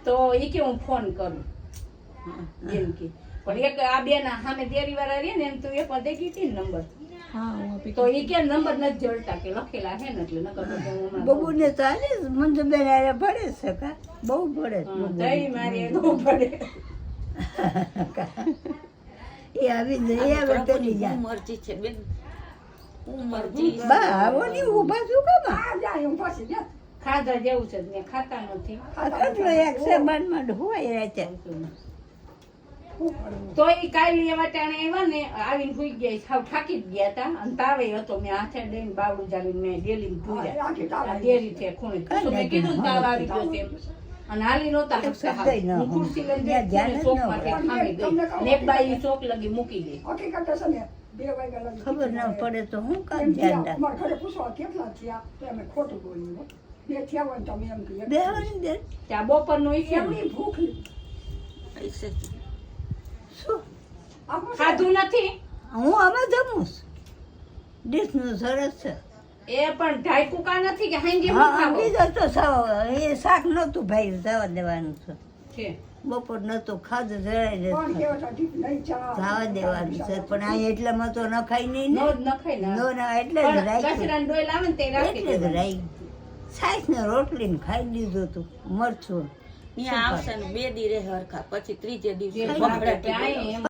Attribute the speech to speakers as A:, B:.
A: તો એ કે હું ફોન કરું એમ કે પણ એક આ બે ના સામે દેરી વાળા રે ને એમ તો એક દે કીધી ને નંબર તો એ કે નંબર નથી જોડતા કે લખેલા હે ને એટલે નકર તો હું
B: બબુને તો આને મંજુબેન આરે ભળે છે કા બહુ ભળે
A: તઈ મારી નો પડે
B: એ આવી ને એ આવે તેની જા
C: મરજી છે બેન મરજી
B: બા આવો ની ઊભા છું કામ
D: આ જાય હું પછી જા
A: ખાધા જેવું છે ને ખાતા નથી
B: આ કેટલો એક છે મનમાં હોય રાતે
A: તો એ કાલે એવા ટાણે આવ્યા ને આવીને ભૂઈ ગયા સાવ થાકી જ ગયા હતા અને તાવે હતો મેં હાથે દઈને બાવડું જાવીને મેં ડેલી ભૂર્યા ડેરી છે ખૂણે તો મેં કીધું તાવ આવી ગયો તેમ અને હાલી નહોતા શકતા હું ખુરશી લઈને ચોક માટે ખામી ગઈ ને એક બાઈ ચોક લગી મૂકી ગઈ
D: હકીકત છે ને 2 વાગ્યા લગી
B: ખબર ન પડે તો હું કામ ધ્યાન રાખ
D: અમારા ઘરે પૂછવા કેટલા થયા તો અમે ખોટું બોલ્યું બે થયા હોય તો અમે એમ કહીએ
B: બેહવાની દે
A: ત્યાં બપોરનું ઈ
D: એમની ભૂખ
C: પૈસે
B: શું
A: ખાધું નથી
B: હું આમાં જમું ડીશનું સરસ છે
A: એ પણ ઢાઈકું કા નથી કે હાંજે
B: હા
A: ખાવો
B: બીજો તો સાવ એ શાક નહોતું ભાઈ જવા દેવાનું છે
A: છે
B: બપોર નહોતું ખાધું જરાય
D: કોણ
B: નથી
D: કેવા ઠીક નહીં ચા
B: જવા દેવાનું છે પણ આ એટલામાં તો નખાય નહીં
A: નો
B: ને
A: જ નખાય ને
B: નો ના એટલે જ
A: પણ
B: રાખ્યું
A: કચરાનો ડોલ આવે ને તે રાખી
B: એટલે જ
A: દેવાનો.
B: રાખ્યું સાઈસ ને રોટલી ને ખાઈ લીધું તું મરચું
C: અહીંયા આવશે ને 2 દી રહે હરખા પછી ત્રીજે દિવસે
A: જે
C: બગડાટી
A: ત્યાં
C: બોલાવશે.
A: એમ